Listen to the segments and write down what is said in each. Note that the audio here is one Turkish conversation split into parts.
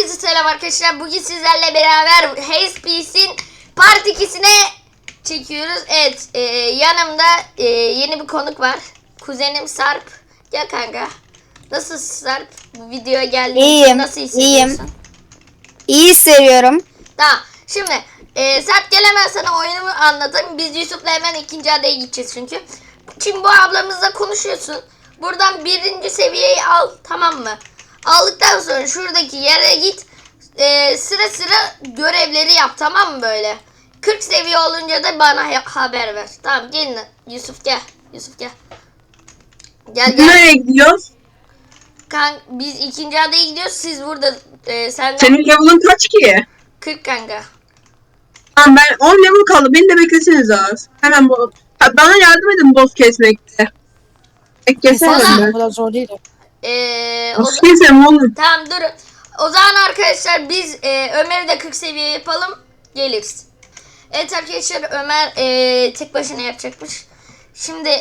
Herkese selam arkadaşlar. Bugün sizlerle beraber Haze Peace'in Part 2'sine çekiyoruz. Evet, yanımda yeni bir konuk var. Kuzenim Sarp. Gel kanka. Nasılsın Sarp? Bu videoya geldiğin için nasıl hissediyorsun? İyi hissediyorum. Tamam. Şimdi Sarp gel hemen sana oyunumu anlatayım. Biz Yusuf'la hemen ikinci adaya gideceğiz çünkü. Şimdi bu ablamızla konuşuyorsun. Buradan birinci seviyeyi al, tamam mı? Aldıktan sonra şuradaki yere git. Sıra sıra görevleri yap, tamam mı böyle? 40 seviye olunca da bana haber ver. Tamam, gelin Yusuf gel. Yusuf gel. Gel. Nereye gidiyoruz? Biz ikinci adaya gidiyoruz. Siz burada sen Senin level'ın kaç ki? 40 kanka. Tamam, ben 10 level kaldı. Beni de bekleseniz az. Hemen bana yardım edin boss kesmekte. Kesemem Valla- ben. Bu kadar zor değil. Boss kesem oğlum. Tamam, durun. O zaman arkadaşlar biz Ömer'i de 40 seviye yapalım. Geliriz. Evet arkadaşlar, Ömer tek başına yapacakmış. Şimdi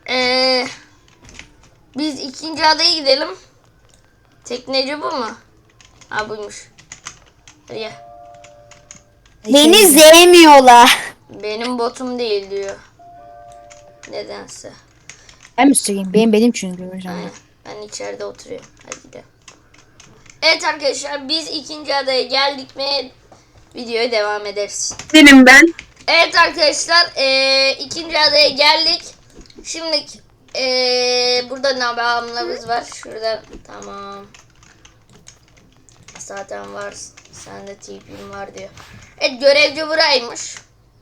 biz ikinci adaya gidelim. Tekneci bu mu? Ha, buymuş. Hadi gel. Beni sevmiyorlar. Benim botum değil diyor. Nedense. Ben mi söyleyeyim? Benim çünkü. Aynen. Ben içeride oturuyorum. Hadi gidelim. Evet arkadaşlar, biz ikinci adaya geldik mi videoya devam ederiz. Benim ben. Evet arkadaşlar, ikinci adaya geldik. Şimdi burada nabamlarımız var. Şurada, tamam. Zaten var. Sende TP'm var diyor. Evet, görevci buraymış.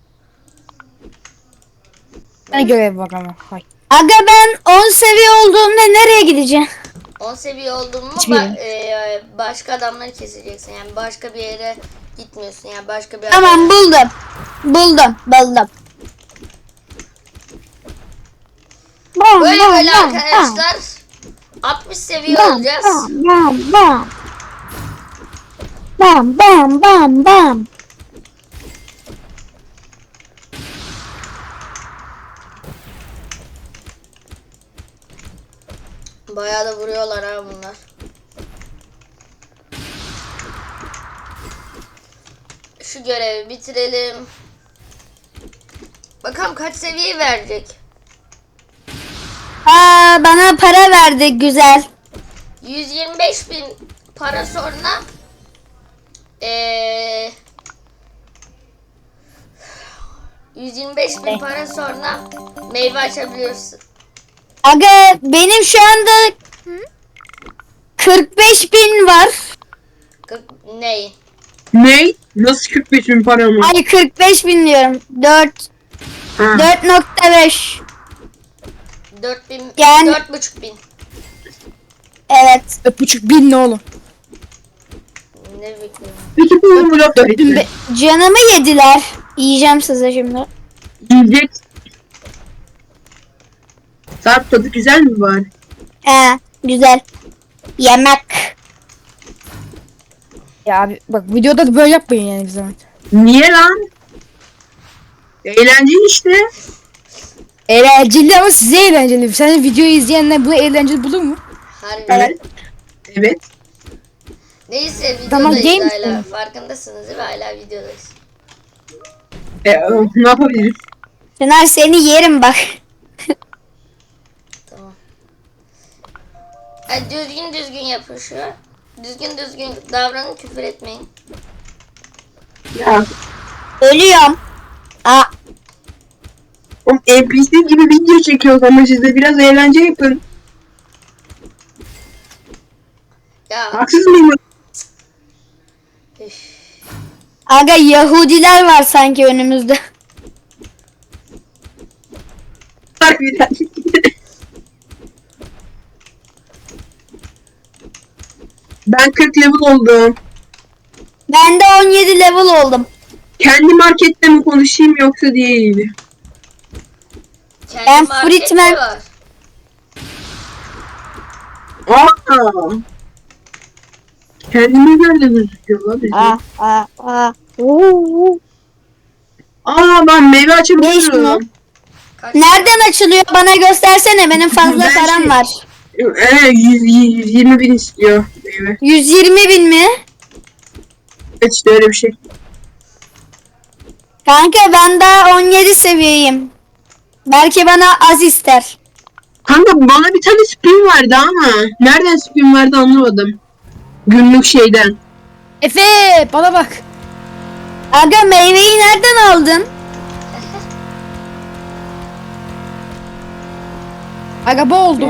Ben görev bak ama. Hay. Aga ben 10 seviye olduğumda nereye gideceğim? 10 seviye oldun mu Hiçbir yere. başka adamları keseceksin. Yani başka bir yere gitmiyorsun. Yani başka bir Tamam, buldum. Böyle arkadaşlar 60 seviye olacağız. Bam. Bayağı da vuruyorlar ha bunlar. Şu görevi bitirelim. Bakalım kaç seviye verecek. Bana para verdi, güzel. 125.000 para sonra 125.000 para sonra meyve açabiliyorsun. Aga benim şu anda 45.000 var. Ney? Ne? Nasıl 45.000 param var? Ay 45.000 diyorum. 4 Ha. 4.5. 4.000 Yani- 4.500. Evet. 4.500 ne oğlum? Ne bekliyorum? Peki bu blok da bitti. Canımı yediler. Yiyeceğim size şimdi. Yiyecek. Sarp tadı güzel mi var? Güzel. Yemek. Ya abi bak videoda da böyle yapmayın yani bir zaman. Niye lan? Eğlenceli işte. Eğlenceli ama size eğlenceli. Sen videoyu izleyenler bunu eğlenceli bulur mu? Harbiden. Evet. Evet. Neyse, Tamam, videodayız game hala. misin? Farkındasınız değil mi? Hala videodayız. Ne yapabiliriz? Şener seni yerim bak. Tamam. Hadi düzgün yapın şu. Düzgün davranın, küfür etmeyin. Ya. Ölüyorum. Oğlum NPC gibi video çekiyoruz ama siz de biraz eğlence yapın. Ya Haksız mıyım? üf. Aga Yahudiler var sanki önümüzde. Harbiden. Ben 40 level oldum. Ben de 17 level oldum. Kendi markette mi konuşayım yoksa diğeriyle? Kendi Ben markette Fritman- var. Aa. Kendime göre gözüküyor lan bizim. Ben meyve Ne açabiliyorum. Kaç? Nereden açılıyor? Bana göstersene. Benim fazla Ben param var. 120 bin istiyor meyve. 120.000 mi? Evet işte öyle bir şey. Kanka ben daha 17 seviyeyim. Belki bana az ister. Kanka bana bir tane spin verdi ama nereden spin verdi anlamadım. Günlük şeyden. Efe bana bak. Aga meyveyi nereden aldın? Aga bu oldu.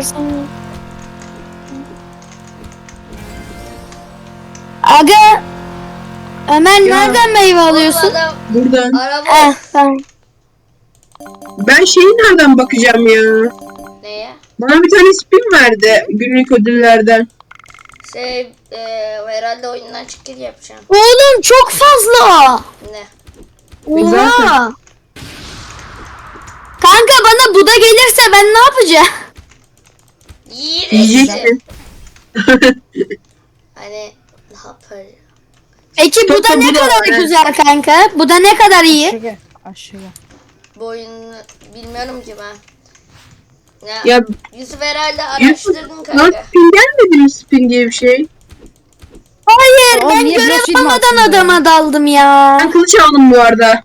Aga Ömer Ya. nereden meyve alıyorsun? Oğlum adam Buradan. araba Tamam. Ben şeyi nereden bakacağım ya? neye? Bana bir tane spin verdi günlük ödüllerden. Herhalde oyundan çıkış yapacağım. Oğlum çok fazla. Ne? Zaten. Oha. Kanka bana bu da gelirse ben ne yapacağım? Yiyeceksin. Yiyeceksin. Hani ne yapar? Peki bu da Çok da ne bu da kadar var, evet. güzel kanka? Bu da ne kadar iyi? Aşağıya. Aşağıya. Bu oyunu bilmiyorum ki ben. Ya Yusuf herhalde Yusuf, araştırdın lan kanka. spin gelmedi mi spin diye bir şey? Hayır Oğlum ben niye görev biraz film almadan atsın ya? adama daldım ya. Ben kılıç aldım bu arada.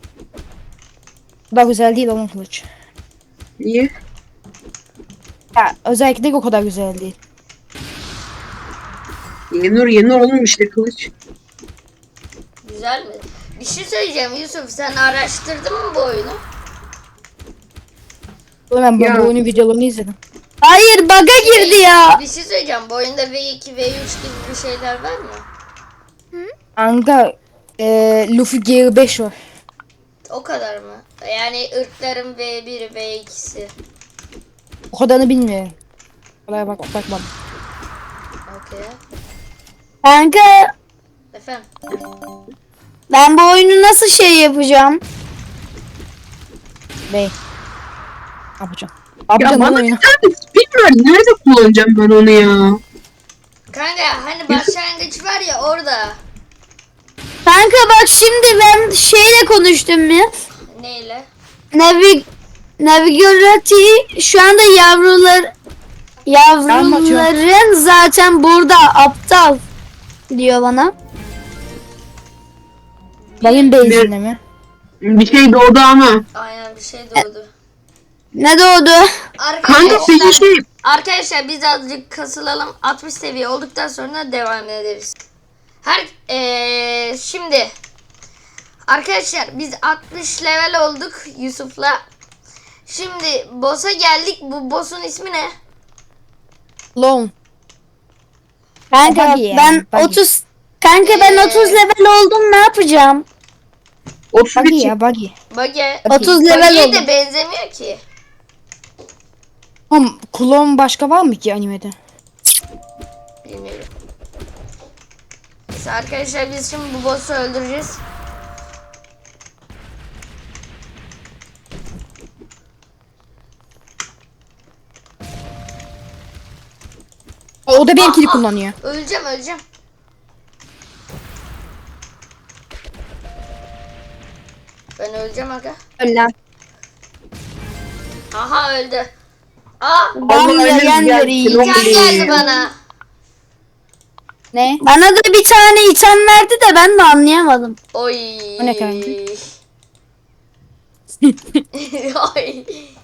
Bu da güzel değil oğlum kılıç. Niye? Ya özellikle o kadar güzel değil. Yenur oğlum işte kılıç. Güzel mi? Bir şey söyleyeceğim Yusuf, sen araştırdın mı bu oyunu? Oğlum ben Ya. bu oyunun videolarını izledim. Hayır bug'a girdi ya. Bir şey söyleyeceğim, bu oyunda V2, V3 gibi bir şeyler var mı? Kanka Luffy Gear 5 var. O kadar mı? Yani ırkların V1'i, V2'si. O kadarını bilmiyorum. Olaya bakmadım. Okey. Kanka Efendim? ben bu oyunu nasıl şey yapacağım? Ne yapacağım? Ya Yapacağım bana lan bir oyunu. tane spin ver. Nerede kullanacağım ben onu ya? Kanka hani başlangıç var ya orada. Kanka bak şimdi ben şeyle konuştum ya. Neyle? Navigorati şu anda yavruların zaten burada aptal diyor bana. Benim base'inde mi? Bir şey doğdu ama. Aynen bir şey doğdu. Ne doğdu? Kanka peki şey. Arkadaşlar biz azıcık kasılalım. 60 seviye olduktan sonra devam ederiz. Şimdi arkadaşlar biz 60 level olduk Yusuf'la. Şimdi boss'a geldik. Bu boss'un ismi ne? Lone. Kanka Buggy yani, ben buggy. 30 Kanka ben 30 level oldum ne yapacağım? 31 Buggy çık. ya buggy. Buggy. 30 level Buggy'ye oldum. de benzemiyor ki. Oğlum klon başka var mı ki animede? Bilmiyorum. Neyse arkadaşlar biz şimdi bu boss'u öldüreceğiz. O da benimkini kullanıyor. Öleceğim. Ben öleceğim aga. Öyle. Aha öldü. Aa! Ben Allah yayan ölüm vereyim. gelsin, İtem oğlum. geldi bana. Ne? Bana da bir tane item verdi de ben de anlayamadım. Oy. O ne kanka? Oy.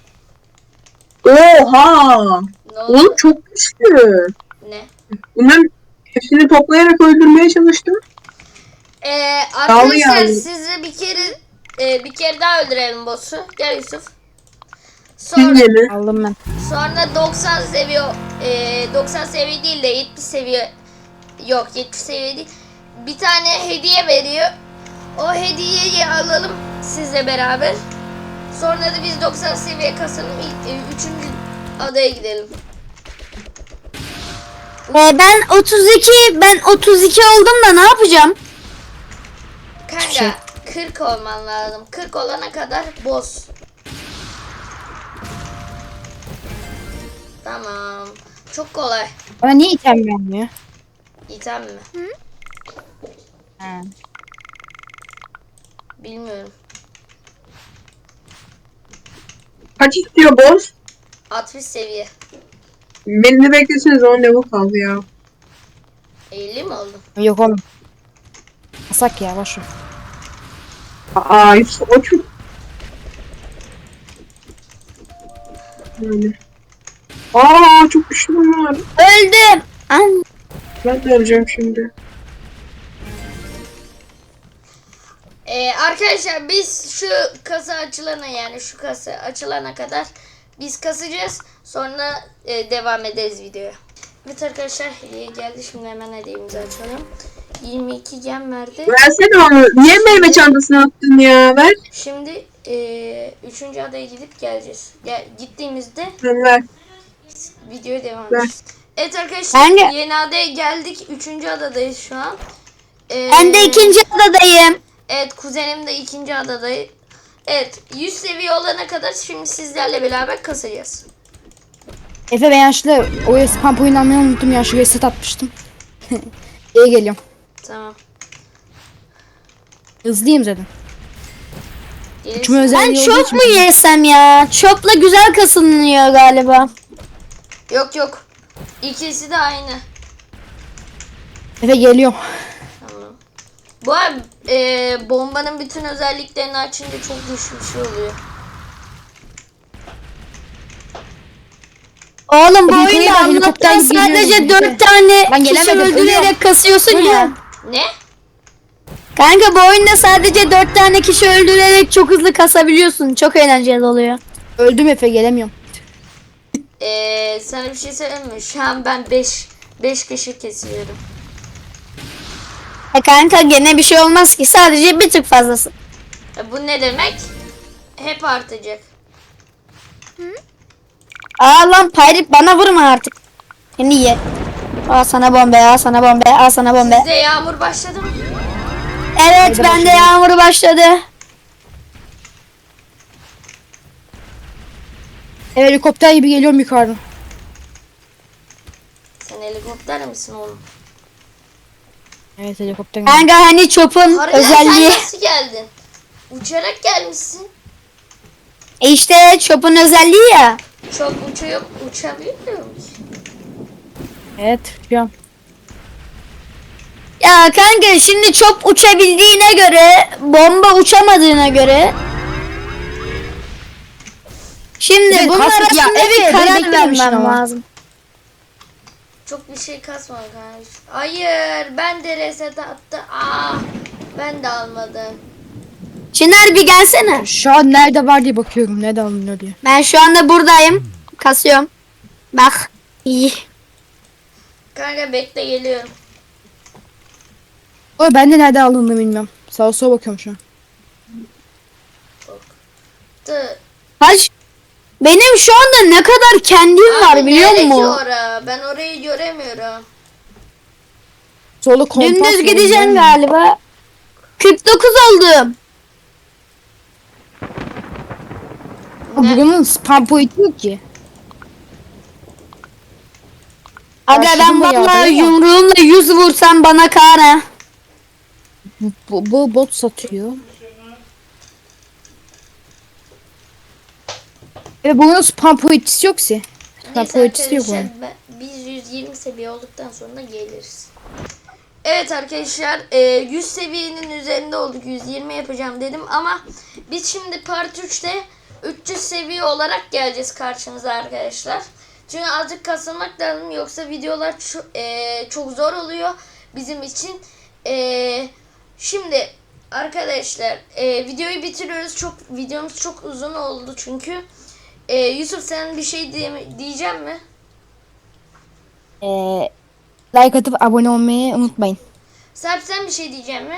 Oha. Ne oldu? Oğlum çok güçlü. Ne? Bunların hepsini toplayarak öldürmeye çalıştım. Arkadaşlar yani. sizi bir kere daha öldürelim boss'u. Gel Yusuf. Sonra Sizce mi? Aldım ben. sonra 90 seviye 90 seviye değil de 70 seviye, yok 70 seviye değil. Bir tane hediye veriyor. O hediyeyi alalım sizle beraber. Sonra da biz 90 seviye kasalım. İlk 3. adaya gidelim. Ben 32 oldum da ne yapacağım? Kanka şey. 40 olman lazım. 40 olana kadar boss. Tamam. Çok kolay. Bana niye item vermiyor? İtem mi? Ha. Bilmiyorum. Kaç istiyor boss? 60 seviye. Beni de bekleseniz 10 level kaldı ya. 50 mi oldu? Yok oğlum. Kasak ya boş ver. Aa Yusuf o çok... Yani. Aa çok güçlü bunlar. Öldüm. An Ben de öleceğim şimdi. Arkadaşlar biz şu kasa açılana, yani şu kasa açılana kadar biz kasacağız. Sonra devam ederiz videoya. Evet arkadaşlar, hediye geldi. Şimdi hemen hediyemizi açalım. 22 gem verdi. Versene onu. Niye meyve çantasına attın ya? Ver. Şimdi 3. adaya gidip geleceğiz. Gittiğimizde Ver. videoya devam Ver. edeceğiz. Evet arkadaşlar, Ben de- yeni adaya geldik. 3. adadayız şu an. ben de 2. adadayım. Evet, kuzenim de 2. adadayım. Evet, 100 seviye olana kadar şimdi sizlerle beraber kasacağız. Efe ben yanlışlıkla o spam oyunu almayı unuttum. Yanlışlıkla reset atmıştım. İyi geliyorum. Tamam. Hızlıyım zaten. Gelirsin. Uçma özelliği Ben olduğu çok için- mu yesem ya? Çopla güzel kasılınıyor galiba. Yok. İkisi de aynı. Efe geliyorum. Tamam. Bu arada bombanın bütün özelliklerini açınca çok güçlü bir şey oluyor. Oğlum bu Yukarıya oyunda bak, helikopter Allah'tan gibi geliyorum sadece Efe. 4 tane Ben kişi gelemedim, öldürerek ölüyorum. kasıyorsun ya. Ölüyorum. Ne? Kanka bu oyunda sadece 4 tane kişi öldürerek çok hızlı kasabiliyorsun. Çok eğlenceli oluyor. Öldüm Efe gelemiyorum. Sana bir şey söyleyeyim mi? Şu an ben 5 kişi kesiyorum. Kanka gene bir şey olmaz ki. Sadece bir tık fazlası. Bu ne demek? Hep artacak. Aa lan Pyrit bana vurma artık. Seni ye. Al sana bombe, al sana bombe, al sana bombe. Sizde yağmur başladı mı? Evet Haydi bende başlayalım. yağmur başladı. Helikopter gibi geliyorum yukarıdan. Sen helikopter misin oğlum? Evet helikopter gibi. Kanka hani çopun Harbiden özelliği. sen nasıl geldin? Uçarak gelmişsin. İşte çopun özelliği ya. Çok uçabiliyor musun? Evet şu an. Ya kanka şimdi çop uçabildiğine göre, bomba uçamadığına göre. Şimdi Evet, bunun kastık ya. arasında Evet, bir beni karar beklememişsin vermem ama. lazım. Çok bir şey kasma kardeş. Hayır, ben de reset attı. Ben de almadım. Çınar bir gelsene. Şu an nerede var diye bakıyorum. Nerede alınıyor diye. Ben şu anda buradayım. Kasıyorum. Bak. İyi. Kanka bekle, geliyorum. O ben de nerede alındığını bilmiyorum. Sağa sola bakıyorum şu an. Kaç? Benim şu anda ne kadar kendim var biliyor nereye ki musun? ora? Ben orayı göremiyorum. Sola kompas Dümdüz var, gideceğim bilmiyorum. galiba. 49 oldum. Ne? Bunun spam boyutu yok ki. Aga Başladım ben mı ya, vallahi değil mi? yumruğumla 100 vursam bana kar ha. Bu bot satıyor. Ve bunun spam boyutusu yok ki. Spam Neyse boyutusu yok onun. arkadaşlar, biz 120 seviye olduktan sonra geliriz. Evet arkadaşlar, 100 seviyenin üzerinde olduk. 120 yapacağım dedim ama biz şimdi part 3'te 300 seviye olarak geleceğiz karşınıza arkadaşlar. Çünkü azıcık kasılmak lazım, yoksa videolar çok zor oluyor bizim için. Şimdi arkadaşlar, videoyu bitiriyoruz. Videomuz çok uzun oldu çünkü. Yusuf, sen bir şey diyecek mi? Like atıp abone olmayı unutmayın. Serp, sen bir şey diyecek mi?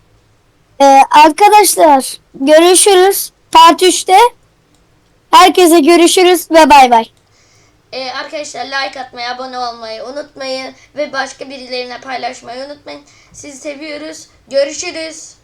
Arkadaşlar görüşürüz. Part 3'te. Herkese görüşürüz ve bay bay. Arkadaşlar, like atmayı, abone olmayı unutmayın ve başka birilerine paylaşmayı unutmayın. Sizi seviyoruz. Görüşürüz.